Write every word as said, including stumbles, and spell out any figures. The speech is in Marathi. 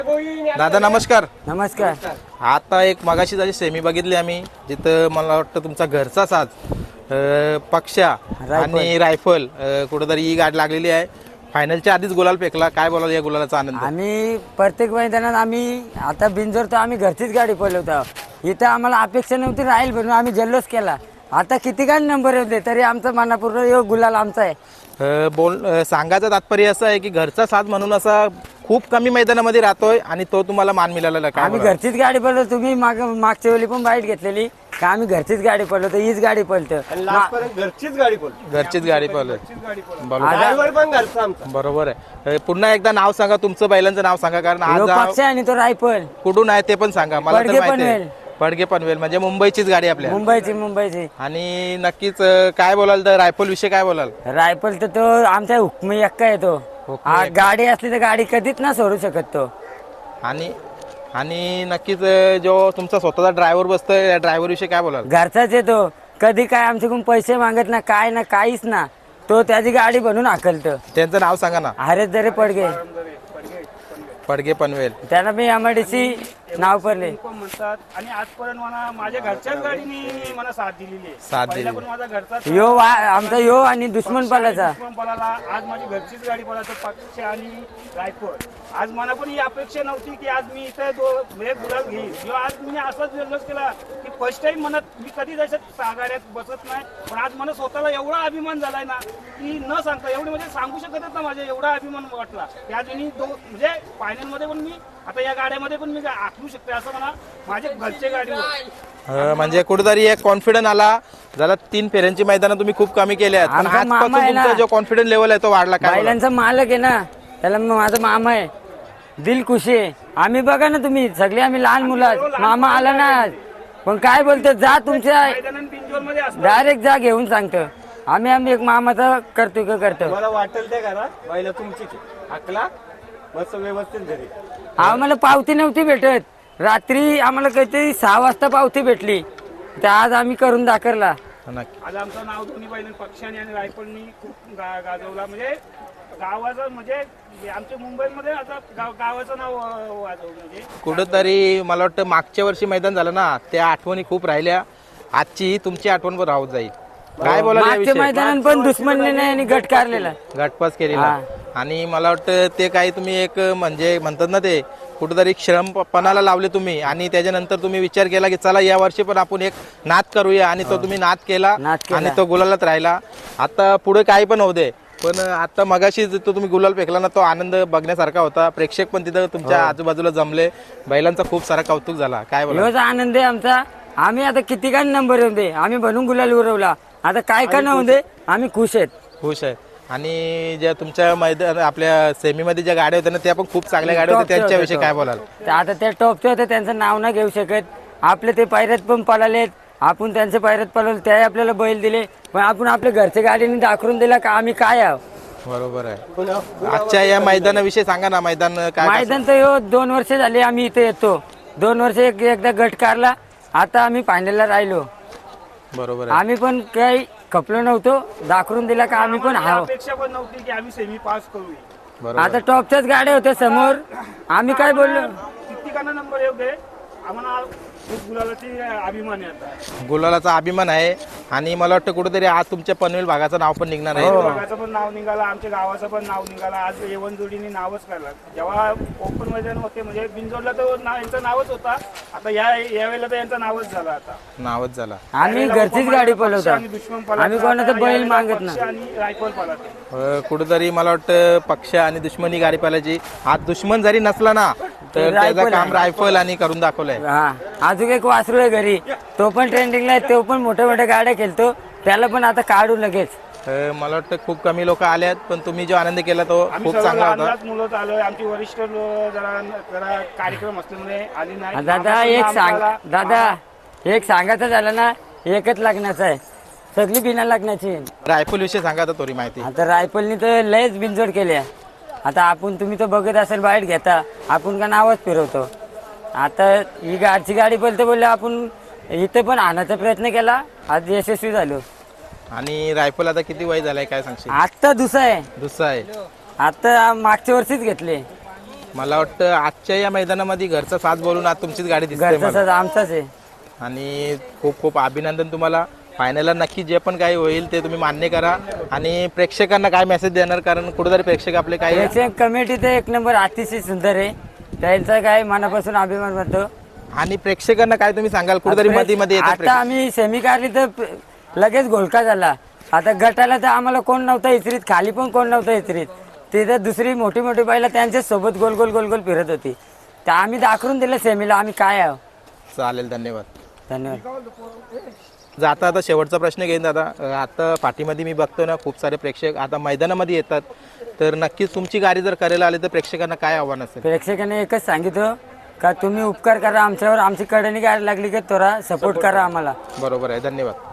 दादा नमस्कार. नमस्कार. आता एक मगाशी झाली सेमी बघितली आम्ही, जिथं मला वाटतं तुमचा घरचा साज अ, पक्षा आणि रायफल अ, कुठेतरी ही गाठ लागलेली आहे. फायनलच्या आधीच गुलाल फेकला, काय बोलाल या गुलालाचा आनंद? आम्ही प्रत्येक मैदानात आम्ही आता बिंजोर तर आम्ही घरचीच गाडी पळवतो. इथं आम्हाला अपेक्षा नव्हती राहील म्हणून आम्ही जल्लोष केला. आता किती काय नंबर होते तरी आमचा मनापूर्वक यो गुलाल आमचा आहे. अ, बोल अ, सांगायचं तात्पर्य असं आहे की घरचा साज म्हणून असा खूप कमी मैदानामध्ये राहतोय आणि तो तुम्हाला मान मिळालेला काय आम्ही बोलाल? घरचीच गाडी पळतो. तुम्ही माग मागच्या वेळी पण बाईट घेतलेली का आम्ही घरचीच गाडी पळवतो, हीच गाडी पळतो. घरचीच गाडी पळतो. घरचीच गाडी पळवली. बरोबर ड्रायव्हर पण घरचा आमचा. बरोबर आहे. अ, पुन्हा एकदा नाव सांगा, तुमचं बैलांचं नाव सांगा, कारण आज यो हा- पक्ष आणि तो रायफल कुठून आहे ते पण सांगा. मला तर पडगे माहिती आहे पनवेल. पडगे पनवेल म्हणजे मुंबईचीच गाडी आपल्या. मुंबईची मुंबईची आणि नक्कीच अ, काय बोलाल तर रायफल विषय काय बोलाल? रायफल तर तो आमच्या हुकमी एक्का येतो. हुकमी गाडी असली तर गाडी कधीच ना सोडू शकत तो. आणि आणि नक्कीच अ, जो तुमचा स्वतःचा ड्रायव्हर बसतोय त्या ड्रायव्हर विषयी काय बोलाल? घरचाच येतो. कधी काय आमच्याकडून पैसे मागत ना, काय ना, काहीच ना. तो त्याची गाडी बनवून हाकलतो. त्यांचं नाव सांगा ना. हरेच जरे पडगे पडगे पनवेल. त्यांना मी एमआयडीसी नाव पडले. पण म्हणतात आणि आजपर्यंत मला माझ्या घरच्याच गाडीने मला साथ दिलेली आहे. साथ पहिला दिली. पण माझा घरचा यो वा आमचा यो आणि दुश्मन पालाचा पण पळाला. आज माझी घरचीच गाडी पळायचं पक्ष आणि रायफल. आज मला पण ही अपेक्षा नव्हती की आज मी इथं दो म्हणजे गुलाल घेईन. किंवा आज मी असाच जल्लोष केला की फर्स्ट टाइम म्हणत मी कधी जशात सहा गाड्यात बसत नाही, पण आज मला स्वतःला एवढा अभिमान झालाय ना की न सांगता एवढी म्हणजे सांगू शकतच ना. माझ्या एवढा अभिमान वाटला त्या दोन्ही दो म्हणजे फायनल मध्ये पण मी आता या गाड्यामध्ये पण मी आखलू शकते असं मला माझ्या घरच्या गाडीवर अ, म्हणजे कुठेतरी एक कॉन्फिडन्स आला. झाला तीन फेऱ्यांची मैदानं तुम्ही खूप कमी केली आहेत, पण आमचा मामा आजपासून आहे ना. तुमचा जो कॉन्फिडन्स लेवल आहे तो वाढला. काय बोलाल? बैलांचा मालक आहे ना, त्याला मग माझा मामा आहे. दिल खुशी आहे. आम्ही बघा ना, तुम्ही सगळे आम्ही लहान मुलं आहेत. मामा आला ना आज, पण काय बोलतो जा तुमच्या बिंजोर मध्ये असतो. डायरेक्ट जा घेऊन सांगतो. आम्ही आम्ही एक मामाचा करतो का करतो. मला वाटेल ते करा. पहिला तुमची अकला मस्त व्यवस्थित घरी. आम्हाला पावती नव्हती भेटत. रात्री आम्हाला काहीतरी सहा वाजता पावती भेटली, तर आज आम्ही करून दाखवला. नक्की. आज आमचं नाव दोन्ही पहिल्या पक्षाने आणि रायफलनी खूप गा- गाजवला. म्हणजे गावाचं म्हणजे आमच्या मुंबईमध्ये आता गाव गावाचं नाव अं, वाजवलं. म्हणजे कुठंतरी मला वाटतं मागच्या वर्षी मैदान झालं ना, त्या आठवणी खूप राहिल्या. आजची तुमची आठवण पण राहत जाईल. काय बोलाल मागच्या याविषयी? मैदानात पण दुश्मनने नाही आणि गट काढलेला. घटपास केलेला. आणि मला वाटतं ते काही तुम्ही एक म्हणजे म्हणतात ना, ते कुठेतरी श्रमपणाला लावले तुम्ही आणि त्याच्यानंतर तुम्ही विचार केला की चला या वर्षी पण आपण एक नाद करूया आणि तो तुम्ही नाद केला नाद केला. आणि तो गुलालात राहिला. आता पुढे काही पण होऊ दे, पण आता मगाशी जो तुम्ही गुलाल फेकला ना, तो आनंद बघण्यासारखा होता. प्रेक्षक पण तिथं तुमच्या आजूबाजूला जमले. बैलांचा खूप सारा कौतुक झाला. काय बोला? एवढा आनंद आहे आमचा. आम्ही आता किती काय नंबर येऊ दे, आम्ही बनून गुलाल उरवला. आता काय का नव्हू दे, आम्ही खुश आहेत. खुश आहे. आणि ज्या तुमच्या मैदान आपल्या सेमीमध्ये ज्या गाड्या होत्या ना, त्या पण खूप चांगल्या गाड्या होत्या. टॉपच्या त्यांच्याविषयी होत्या. काय बोलाल? तर आता त्या टॉपचे होते, त्यांचं नाव नाही घेऊ शकत. आपले ते पायऱ्यात पण पळालेत, आपण त्यांच्या पायऱ्यात पळवले, त्याही आपल्याला बैल दिले. पण आपण आपल्या घरच्या गाडीने दाखवून दिला का आम्ही काय आहोत. बरोबर आहे. आजच्या या मैदानाविषयी सांगा ना. मैदान काय मैदान तर हो दोन वर्ष झाले आम्ही इथे येतो. दोन वर्ष एक एकदा गट काढला, आता आम्ही फायनलला राहिलो. बरोबर आहे. आम्ही पण काही खपलो नव्हतो, दाखवून दिला का आम्ही पण आम्हाला आहो. अपेक्षा पण नव्हती की आम्ही सेमी पास करू. बरोबर. आता टॉपच्याच गाड्या होत्या समोर, आम्ही काय बोललो. किती काना नंबर येऊ दे, आम्हाला खूप गुलालाची अभिमान आहे आता. गुलालाचा अभिमान आहे. आणि मला वाटतं कुठेतरी आज तुमच्या पनवेल भागाचं नाव पण निघणार आहे. भागाचं पण नाव निघाला, आमच्या गावाचं पण नाव निघाला. आज येवन जोडीने नावच काढला. जेव्हा ओपन मैदान होते म्हणजे बिंजोडला तर नाव यांचं नावच होता. आता या यावेळेला तर यांचं नावच झालं. आता नावच झाला. आम्ही घरचीच गाडी पळवतो. आणि दुश्मन पळाला. आम्ही कोणाचं बैल मागत पक्ष ना. आणि रायफल पळाला. अ, कुठेतरी मला वाटतं पक्ष आणि दुश्मनी गाडी पाहिल्याची. आज दुश्मन जरी नसला ना, तर त्याचं काम रायफल आणि करून दाखवलंय. हा, अजून एक वासरू आहे घरी, तो पण ट्रेंडिंगला आहे. तो पण मोठ्या मोठ्या गाड्या खेळतो, त्याला पण आता काढू लगेच. अ, मला वाटतं खूप कमी लोक आले, पण तुम्ही जो आनंद केला तो आम्ही खूप सर्व चांगला लहान होता. लहान मुलं आलोय. आमची वरिष्ठ लो- जरा जरा कार्यक्रम असल्यामुळे आली नाही. दादा एक सांग दादा एक सांगायचं झालं ना, एकच लग्नाचं आहे, सगळी बिना लग्नाची. रायफल विषयी सांगा तर थोडी माहिती. आता रायफलनी तर लयच बिनजोड केल्या. आता आपण तुम्ही तर बघत असेल बाहेर घेता, आपण का नावच फिरवतो. आता ही गाडची गाडी बोलते बोलले आपण इथे पण आणायचा प्रयत्न केला, आज यशस्वी झालो. आणि रायफल आता किती वय झालंय काय सांगशील? आत्ता दुसरा आहे. दुसरा आहे. आता मागच्या वर्षीच घेतले. मला वाटतं आजच्या या मैदानामध्ये घरचा साथ बोलून आज तुमचीच गाडी दिसते घरचा मला. साज आमचाच आहे. आणि खूप खूप अभिनंदन तुम्हाला. फायनलला नक्की जे पण काही होईल ते तुम्ही मान्य करा. आणि प्रेक्षकांना काय मेसेज देणार, कारण कुठेतरी प्रेक्षक आपले काय प्रेक्षक कमिटी तर एक नंबर अतिशय सुंदर आहे, त्यांचा काय मनापासून अभिमान वाटतो. आणि प्रेक्षकांना काय तुम्ही सांगाल, कुठेतरी मध्ये मध्ये येतात आता आम्ही सेमी काढली तर प- लगेच घोळका झाला. आता गटाला तर आम्हाला कोण नव्हतं इचरीत, खाली पण कोण नव्हतं इचरीत. तिथं दुसरी मोठी मोठी बैला त्यांच्या सोबत गोल गोल गोल गोल फिरत होती. तर आम्ही दाखवून दिलं सेमीला आम्ही काय आहो. चालेल, धन्यवाद. धन्यवाद. जाता आता शेवटचा प्रश्न घेईन दादा. अं, आता पाठीमध्ये मी बघतो ना खूप सारे प्रेक्षक आता मैदानामध्ये येतात, तर नक्कीच तुमची गाडी जर करायला आली तर प्रेक्षकांना काय आव्हान असेल? प्रेक्षकांनी एकच सांगितलं का तुम्ही उपकार करा आमच्यावर, आमची कडेने गाडी लागली की थोडा सपोर्ट करा आम्हाला. बरोबर आहे, धन्यवाद.